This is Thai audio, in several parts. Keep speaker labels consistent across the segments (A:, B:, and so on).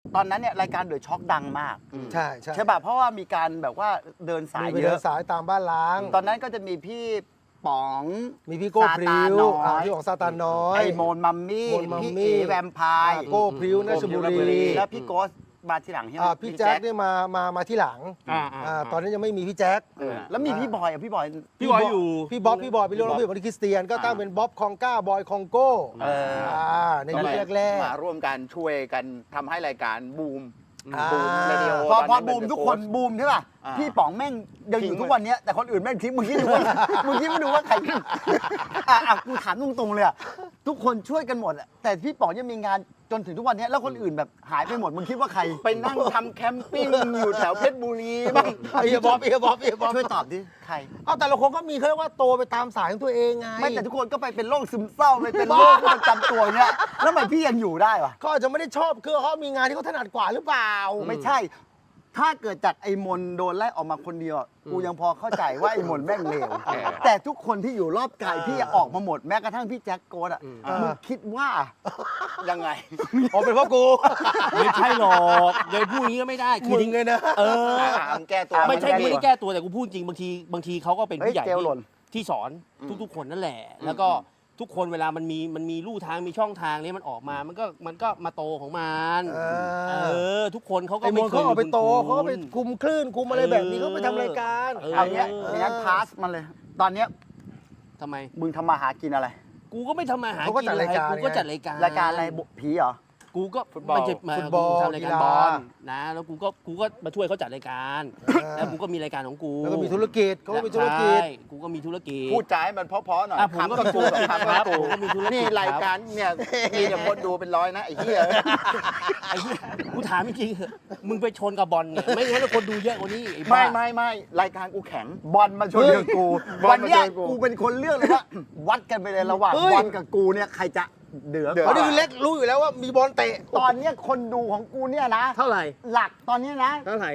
A: ตอนนั้นเนี่ยรายการเดอะช็อคดังมาก
B: ใช่
A: ใช่ป่ะเพราะว่ามีการแบบว่าเดินสายเยอะ
B: เดินสายตามบ้านล้าง
A: ตอนนั้นก็จะมีพี่ป๋อง
B: มีพี่โก้พริ้วพี่ของซาตานน้อย
A: ไอโมนมัมมี่พี่เอแวมไพร์
B: โก้พริ้วนัชบุรี
A: แล้วพี่โกสมาทีหลังใช่ไหม
B: พี่แจ็คเนี่ยมาที่หลังตอนนั้นยังไม่มีพี่แจ็ค
A: แล้วมีพี่บอยพี่บอย
B: อยู่พี่บ๊อบพี่บอยไปเรื่องพี่บอยคริสเตียนก็ตั้งเป็นบ๊อบคองก้าบอยคองโก้ในยุคแรก
C: ๆมาร่วมกันช่วยกันทำให้รายการบูม
A: เรดิโอพอบูมทุกคนบูมใช่ป่ะพี่ป๋องแม่งยังอยู่ทุกวันนี้แต่คนอื่นแม่งทิ้งมึงคิดดูว่าใครกูถามตรงๆเลยทุกคนช่วยกันหมดแต่พี่ป๋องยังมีงานจนถึงทุกวันนี้แล้วคนอื่นแบบหายไปหมดมึงคิดว่าใคร
C: ไปนั่งทำแคมปิ้งอยู่แถวเพชรบุรีบ้าง
B: เอียบ๊อบ
A: ช่วยตอบดิใคร
B: แต่ละคนก็มีเขาเรียกว่าโตไปตามสายของตัวเองไง
A: ไม่แต่ทุกคนก็ไปเป็นโรคซึมเศร้าไปเป็นโรคประจำตัวเนี่ยแล้วทำไมพี่ยังอยู่ได้วะ
B: เขาอาจจะไม่ได้ชอบคือเขามีงานที่เขาถนัดกว่าหรือเปล่า
A: ไม่ใช่ถ้าเกิดจากไอ้มนโดนไล่ออกมาคนเดียวกูยังพอเข้าใจว่าไอ้มนแม่งเลวแต่ทุกคนที่อยู่รอบกายพี่ออกมาหมดแม้กระทั่งพี่แจ็คโกดมึงคิดว่า
C: ยังไง
B: เป็นเพราะกู
D: ไม่ใช่หรอกเลยพูดอย่างนี้ก็ไม่ได้
B: คือจริงเลยนะ
C: แก้ตัว
D: ไม่ใช่ไม่ได้แก้ตัวแต่กูพูดจริงบางทีเขาก็เป็นผู้ใหญ่ที่สอนทุกๆคนนั่นแหละแล้วก็ทุกคนเวลามันมีลู่ทางมีช่องทางนี้มันออกมามันก็มาโตของมันทุกคนเขาก็
B: ไม่เคยไปโตเขาก็ไปคุมคลื่นคุมอะไรแบบนี้เขาไปทำรายการ
A: เอาเนี้ยงั้นพาสมันเลยตอนเนี้ย
D: ทำไม
A: มึงทำมาหากินอะไร
D: กูก็ไม่ทำมาหากินอะไรกูก็จัดราย
A: การอะไรผีเหรอ
D: กูก็
B: ฟุตบอล
D: ทำรายการบอลนะแล้วกูก็มาช่วยเขาจัดรายการแล้วกูก็มีรายการของกู
B: แล้วก็มีธุรกิจเขาก็มีธุรกิจ
D: กูก็มีธุรกิจ
C: พูดใจมันเพราะๆหน่อย
D: ผมก็กู
C: ครับผมก็มีธุรกิจนี่รายการเนี่ยมีแต่คนดูเป็นร้อยนะไอ้เหี้ย
D: กูถามจริงๆมึงไปชนกับบอลเนี่ยไม่งั้นคนดูเยอะกว่านี้
C: ไม่รายการกูแข็ง
A: บอลมาชนกับกูวันนี้กูเป็นคนเลือกเลยว่าวัดกันไปเลยระหว่างบอลกับกูเนี่ยใครจะเดือด
B: เพราะนี่คือเล็กรู้อยู่แล้วว่ามีบอลเตะ
A: ตอนนี้คนดูของกูเนี่ยนะ
D: เท่าไหร่
A: หลักตอนนี้นะ
D: เท่าไหร่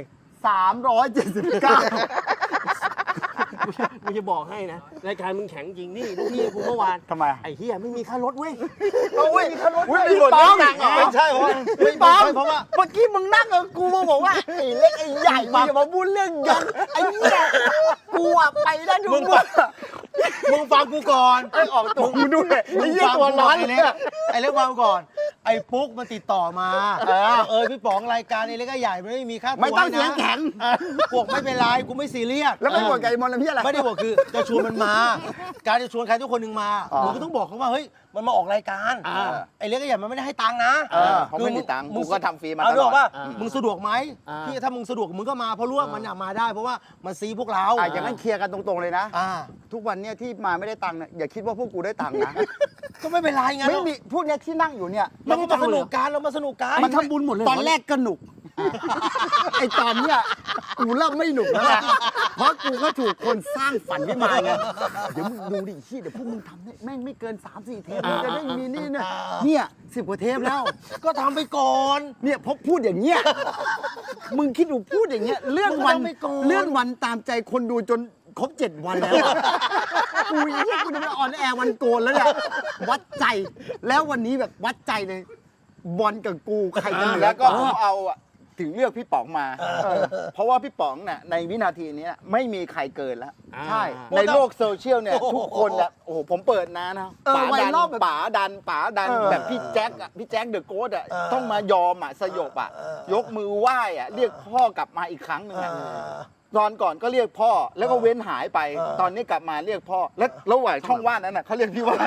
A: 379
D: กูจะบอกให้นะรายการมึงแข็งจริงนี่ลูกพี่กูเมื่อวาน
A: ทำไม
D: ไอ้เหี้ยไม่มีค่ารถเว้ย
A: มีค่ารถ
C: ไม่หมดตังค์
B: ไม่ใช่เพราะว่า
A: เมื่อกี้มึงนั่งกับกูมาบอกว่าไอ้เล็กไอ้ใหญ่มึงอย่ามาพูดเรื่องยันไอ้เหี้ยกูไปได้ทุก
B: มึงฟังกูก่อน
A: ออกตัวมึงด้วยไอ้เหี้ยตัวร้อนเนี่ย
B: ไอ้เล็กฟังก่อนไอ้ปุ๊กมันติดต่อมาพี่ป๋องรายการไอ้เล็กก็ใหญ่ไม่มีค่าตัว
A: ไม่ต้องเสียงแข็ง
B: พวกไม่เป็นไรกูไม่ซีเรียส
A: แล้วไม่บอกไก่มอนแล้วพี่อะไร
B: ไม่ได้บอกคือจะชวนมันมาการจะชวนใครทุกคนหนึ่งมามึงก็ต้องบอกเขาว่าเฮ้ยมันมาออกรายการไอ้เล็กก็ใหญ่มันไม่ได้ให้ตังค์นะ
C: เขาไม่มีตังค์มึงก็ทำฟรีมาต
B: ลอดว่ามึงสะดวกไหมพี่ถ้ามึงสะดวกมึงก็มาเพราะรู้ว่ามันอยากมาได้เพราะว่ามันซีพวกเรา
A: อย่างนั้นเคลียร์กันตรงๆเลยนะทุกวันเนี่ยที่มาไม่ได้ตังค์เนี่ยอย่าคิดว่าพวกกูได้ตังค์นะ
B: ก็ไม่เป็นไรไง
A: ไม่มีพวกเนี้ยที่นั่งอยู่เนี่ย
B: เรามาสนุกกัน
A: มันทำบุญหมดเลยตอนแรกก็หนุกไอตอนเนี้ยกูเริ่มไม่หนุกแล้วนะเพราะกูก็ถูกคนสร้างฝันขึ้นมาไงเดี๋ยวมึงดูดิเดี๋ยวพวกมึงทำเนี่ยแม่งไม่เกิน 3-4 เทปมึงจะได้มีนี่เนี่ย10 กว่าเทปแล้ว
B: ก็ทำไปก่อน
A: เนี่ยพอพูดอย่างเงี้ยมึงคิดดูพูดอย่างเงี้ยเลื่อนวันตามใจคนดูจนครบ7 วันแล้วกูจะไปออนแอร์วันโกนแล้วเนี่ยวัดใจแล้ววันนี้แบบวัดใจเลยบอลกับกูใครจะเหนือ
C: แล้วก็ผมเอาถึงเลือกพี่ป๋องมาเพราะว่าพี่ป๋องเนี่ยในวินาทีนี้ไม่มีใครเกินแล้ว
A: ใช่
C: ในโลกโซเชียลเนี่ยทุกคนเนี่ยโอ้โหผมเปิดนะป๋าดันแบบพี่แจ็คเดอะโกสต้องมายอมสยบยกมือไหว้เรียกพ่อกลับมาอีกครั้งหนึ่งตอนก่อนก็เรียกพ่อแล้วก็เว้นหายไปตอนนี้กลับมาเรียกพ่อแล้วระหว่างช่องว่างนั้นเขาเรียกพี่ว่า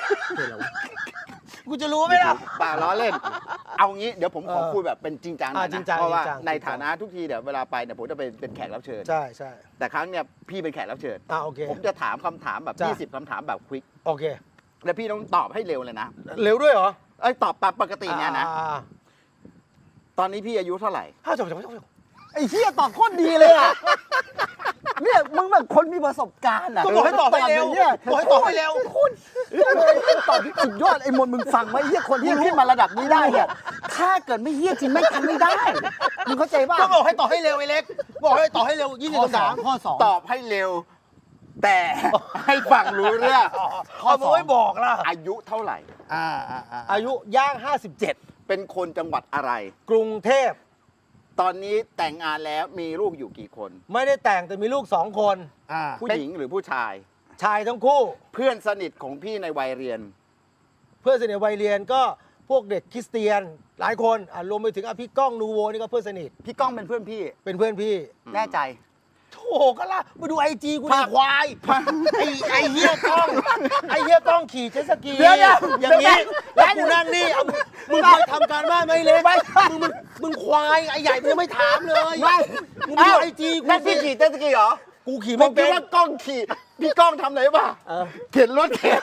B: กูจะรู้ไหมล่ะ
C: ป่าล้อเล่นเอางี้เดี๋ยวผมขอคุยแบบเป็นจริงจังนะเพราะว่าในฐานะทุกทีเดี๋ยวเวลาไปเนี่ยผมจะเป็นแขกรับเชิญ
B: ใช่
C: แต่ครั้งเนี่ยพี่เป็นแขกรับเชิญ
B: โอเค
C: ผมจะถามคำถามแบบ20 คำถามแบบควิก
B: โอเค
C: แล้วพี่ต้องตอบให้เร็วเลยนะ
B: เร็วด้วยเหรอ
C: ตอบปกติเนี่ยนะตอนนี้พี่อายุเท่าไหร่
A: ไอ้เหี้ยตอบโคตรดีเลยอ่ะเนี่ยมึงแบบคนมีประสบการณ์อ่ะ
B: บอกให้ตอบให้เร็วบอกให้ตอบให้เร็ว
A: คุณตอบที่สุดยอดไอ้มนมึงฟังไหมเหี้ยคนที่ขึ้นมาระดับนี้ได้เนี่ยถ้าเกิดไม่เหี้ยจริงไม่ทำไม่ได้มึงเข้าใจป่ะ
B: ก็บอกให้ตอบให้เร็วไอ้เล็กบอกให้ตอบให้เร็ว20 คำถาม
A: ข้อ2
C: ตอบให้เร็วแต่ให้ฟังรู้เรื่อง
B: ข้อ2ไม่บอกล่ะ
C: อายุเท่าไหร่
B: อายุย่าง57
C: เป็นคนจังหวัดอะไร
B: กรุงเทพ
C: ตอนนี้แต่งงานแล้วมีลูกอยู่กี่คน
B: ไม่ได้แต่งแต่มีลูก2 คน
C: ผู้หญิงหรือผู้ชาย
B: ชายทั้งคู่
C: เพื่อนสนิทของพี่ในวัยเรียน
B: เพื่อนสนิทวัยเรียนก็พวกเด็กคริสเตียนหลายคนรวมไปถึงพี่ก้องนูโวนี่ก็เพื่อนสนิท
A: พี่ก้องเป็นเพื่อนพี่
B: เป็นเพื่อนพี่
A: แน่ใจ
B: โถก็ล่ะมาดูIG กูดิควายไอ้เหี้ยกล้องขี่เจ็ตสกี
A: เดี๋ยว
B: อย่างนี้แล้วกูนั่งนี่เอามึงเคยทำการบ้านไหมเล็กมึงควายไอ้ใหญ่มึงยังไม่ถามเลยมึงดูIG กู
C: นั่นพี่ขี่เจ็ตสกีเหรอ
B: กูขี่
C: ผ
B: ไม่
C: มคิ
B: เป็
C: ด
B: น
C: ว่ากล้องขี่ พี่ก้องทำอะไรป่ะเข็นรถเข็น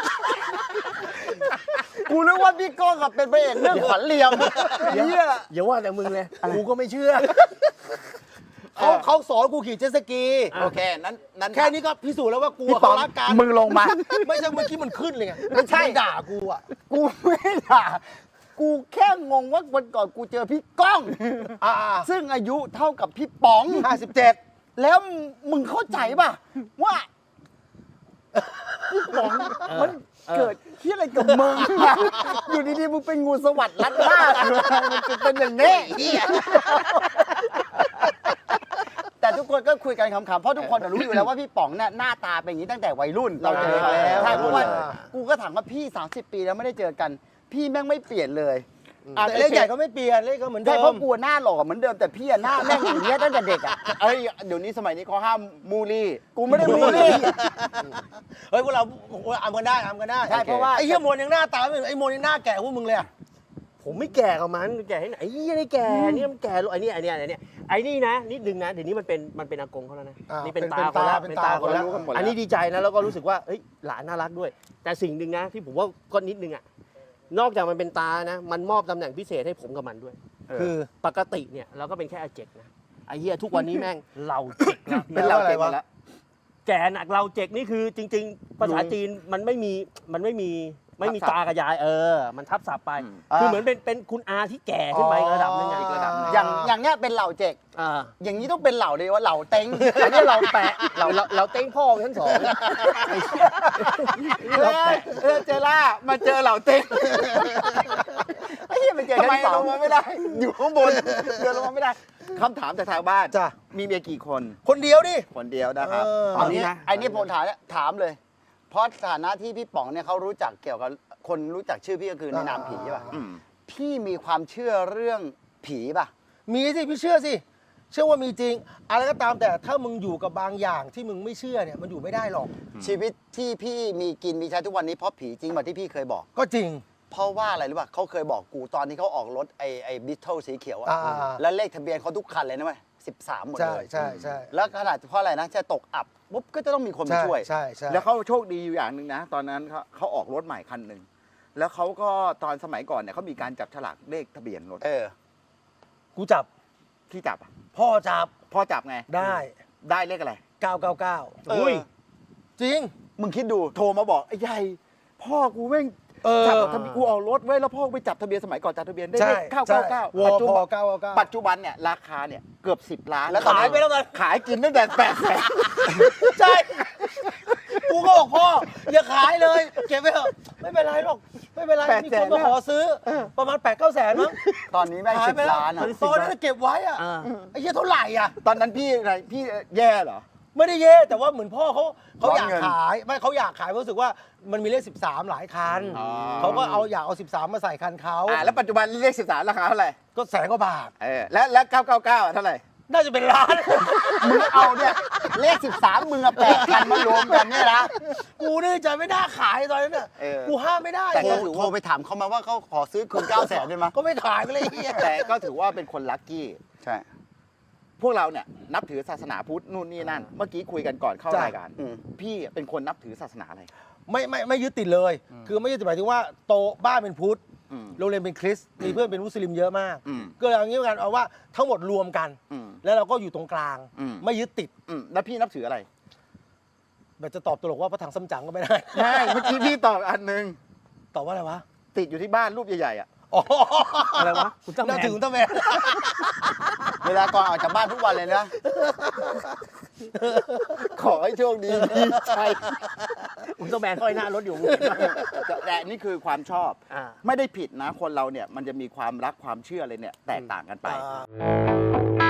A: กูนึกว่าพี่ก้องกับเป็นพระเอกเรื่องขวัญเรียมเฮีย
B: อย่าว่าแต่มึงเลยกูก็ไม่เชื่อเขาสอนกูขี่เจ็ตสกี
C: โอเคนั้น
B: แค่นี้ก็พิสูจน์แล้วว่ากู
C: พี่
B: กับ
C: ป๋อง
B: เขารักกัน
C: มึงลงมา
B: ไม่ใช่เมื่อกี้มันขึ้นเลยไง
A: ไม่ใช่
B: นด่ากูอ่ะ
A: กูไม่ด่ากูแค่งงว่าวันก่อนกูเจอพี่ก้อง ซึ่งอายุเท่ากับพี่ป๋อง
B: 57
A: แล้วมึงเข้าใจป่ะว่าพี่ป๋องมันเกิดที่อะไรกับมึงอะอยู่ดีๆมึงเป็นงูสวัสดิ์ลัดล่ามันจะเป็นอย่างนี้แต่ทุกคนก็คุยกันขำๆเพราะทุกคนรู้อยู่แล้วว่าพี่ป๋องเนี่ยหน้าตาเป็นอย่างนี้ตั้งแต่วัยรุ่นเราเจอกันแล้วใช่เพราะว่ากูก็ถามว่าพี่30 ปีแล้วไม่ได้เจอกัน พี่แม่งไม่เปลี่ยนเลย
B: แต่เล็กใหญ่ก็ไม่เปลี่ยนเล็กก็เหมือนเดิ
A: ใช่
B: ม
A: เพราะกูหน้าหล่อเหมือนเดิมแต่พี่หน้าแม่งอย่างเงี้ยตั้งแต่เด็กอ่ะ
C: เอ้ยเดี๋ยวนี้สมัยนี้เขาห้ามมูลี่
A: กูไม่ได้บูลลี่
B: เฮ้ยพวกเราอำกันได้
A: ใช่เพราะว่า
B: ไอ้เหี้ยมวลยังหน้าตาไม่เหมือนไอ้มวลยังหน้าแก่พวกมึงเลยอะผมไม่แก่กับมันแก่ให้ไหนไอ้เหี้ยนี่แก่นี่มันแก่ไอ้นี่นะนิดนึงนะเดี๋ยวนี้มันเป็นอากงเขาแล้วนะนี่เป็นตาคนละเป็นตาคนละอันนี้ดีใจนะแล้วก็รู้สึกว่าเฮ้ยหลานน่ารักด้วย แต่สิ่งหนึ่งนะที่ผมว่าก็นิดนึงอะนอกจากมันเป็นตานะมันมอบตำแหน่งพิเศษให้ผมกับมันด้วยคือ
D: ปกติเนี่ยเราก็เป็นแค่อาเจกนะไอ้เหี้ยทุกวันนี้แม่งเราเจ็กแล้ว
C: เป็นเราเก่งมาแล้ว
D: แกหนักเราเจ็กนี่คือจริง ๆ ภาษาจีนมันไม่มีตากระยายมันทับศัพท์ไป คือเหมือนเป็นคุณอาที่แก่ขึ้นไประดับนึงอีกระดับนึง
A: อย่างเงี้ยเป็นเหล่าเจก
D: อ่า
A: อย่างนี้ต้องเป็นเหล่าเลยว่าเหล่าเต็งอันนี้เหล่าแปะ
D: เราเต้งพ่อไปทั้งสอง
C: เจล่ามาเจอเหล่าเต็ง
A: ไอ้เหี้ยมันเจอ
C: ทำไม
A: ชั้นส
C: ล
A: อง
C: งมาไม่ได้ อยู่ข้างบนเดินลงมาไม่ได้คำถามจากทางบ้าน
B: จ้ะ
C: มีเมียกี่คน
B: คนเดียวดิ
C: คนเดียวนะครับ
A: อันนี้ผมถามเลย เพราะฐานะที่พี่ป๋องเนี่ยเขารู้จักเกี่ยวกับคนรู้จักชื่อพี่ก็คือในนามผีใช่ป่ะ
C: อืม
A: พี่มีความเชื่อเรื่องผีป่ะ
B: มีสิพี่เชื่อสิเชื่อว่ามีจริงอะไรก็ตามแต่ถ้ามึงอยู่กับบางอย่างที่มึงไม่เชื่อเนี่ยมันอยู่ไม่ได้หรอก
A: ชีวิตที่พี่มีกินมีใช้ทุกวันนี้เพราะผีจริงแบบที่พี่เคยบอก
B: ก็จริง
A: เพราะว่าอะไรรู้ป่ะเขาเคยบอกกูตอนที่เขาออกรถไอ้บิทเทิลสีเขียวอะ แล้วเลขทะเบียนเขาทุกคันเลยนะเว้ย13 หมด
B: ใช่
A: เลย
B: ใช่ใช่
A: แล้วขนาดเพราะอะไรนะจะตกอับปุ๊บก็จะต้องมีคนมาช่วย
B: ใช่ใช่
C: แล้วเขาโชคดีอยู่อย่างหนึ่งนะ ตอนนั้นเขาออกรถใหม่คันหนึ่งแล้วเขาก็ตอนสมัยก่อนเนี่ยเขามีการจับฉลากเลขทะเบียนรถ
B: กูจับ
C: ที่จับอะ
B: พ่อจับ
C: พ่อจับไง
B: ได้
C: ได้เลขอะไร
B: 999
A: อุ้ย
B: จริง
C: มึงคิดดูโทรมาบอกไอ้ใหญ่พ่อกูแม่ง จับทะเบียนกูออกรถไว้แล้วพ่อไปจับทะเบียนสมัยก่อนจับทะเบียนได้
B: ใช่
C: เลข
B: ใช่
C: 999
B: ว
C: ปัจจุ
B: พ
C: บัน
B: 999
C: ปัจจุบันเนี่ยราคาเนี่ยเกือบ10 ล้าน
A: แล้วตอนนี้
B: ขายไปแล้วกัน
C: ขายกินตั้งแต่8 แสน
B: ใช่ กูก็บอกพ่อ อย่าขายเลย เก็บไว้เถอะไม่เป็นไรหรอก ไม่เป็นไร มีคนมาขอซื้อ ประมาณ 8-9 แสนมั้ง
A: ตอนนี้แม่ง
B: ขายไป
A: 10
B: แล้ว
A: ล้านอ่ะ
B: ตอนนั้นเก็บไว้อะไอ้เหี้ยเท่าไหร่อ่ะ
C: ตอนนั้นพี่อะไรพี่แย่เหรอ
B: ไม่ได้เย่แต่ว่าเหมือนพ่อเขา
C: ร้อน
B: อยาก
C: เงิน
B: ขายไม่เขาอยากขายเพราะรู้สึกว่ามันมีเลข13 หลายคัน
C: อ๋อ
B: เขาก็อยากเอา13 มาใส่คันเขา
C: แล้วปัจจุบันเลข13ราคาเท่าไหร่
B: ก็100,000 กว่าบาท
C: แล้ว999อ่ะเท่าไหร่
B: น่าจะเป็นล้าน
A: มึงเอาเนี่ยเลข13มึงอะ8 คันมารวมกันเนี่ยนะ
B: กูนี่ใจไม่น่าขายตอนนั้นน่ะ กูห้ามไม่ได้
A: แต่ก็โทรไปถามเขามาว่าเขาขอซื้อคืน9 แสนได้ไหม
B: ก็ไม่ขายไปเลยไอ้เหี้ย
C: แต่ก็ถือว่าเป็นคนลัคกี้
A: ใช่
C: พวกเราเนี่ยนับถือศาสนาพุทธนู่นนี่นั่น เมื่อกี้คุยกันก่อนเข้ารายการ พี่เป็นคนนับถือศาสนาอะไร
B: ไม่ยึดติดเลย คือไม่ยึดติดหมายถึงว่าโตบ้านเป็นพุทธ โรงเรียนเป็นคริสต์มีเพื่อนเป็นมุสลิมเยอะมาก ก็เลยเอางี้กันเอาว่าทั้งหมดรวมกัน แล้วเราก็อยู่ตรงกลาง ไม่ยึดติด
C: แล้วพี่นับถืออะไร
B: แบบจะตอบตลกว่าพระถังซัมจั๋งก็ไม่ได้
C: ไม่เมื่อกี้พี่ตอบอันหนึง
B: ตอบว่าอะไรวะ
C: ติดอยู่ที่บ้านรูปใหญ่ๆอ่ะ
B: อ๋อ
D: อะไรวะคุณตั้งแม
B: น่าน ถึงตั้งแมน
A: เวลาก่อนออกจากบ้านทุกวันเลยนะ
C: ขอให้โชคดีพี่ชัย
B: อุลตร้าแมนห้อยหน้ารถอยู่
C: แต่นี่คือความชอบ
B: อ่า
C: ไม่ได้ผิดนะคนเราเนี่ยมันจะมีความรักความเชื่ออะไรเนี่ยแตกต่างกันไป
B: อ่า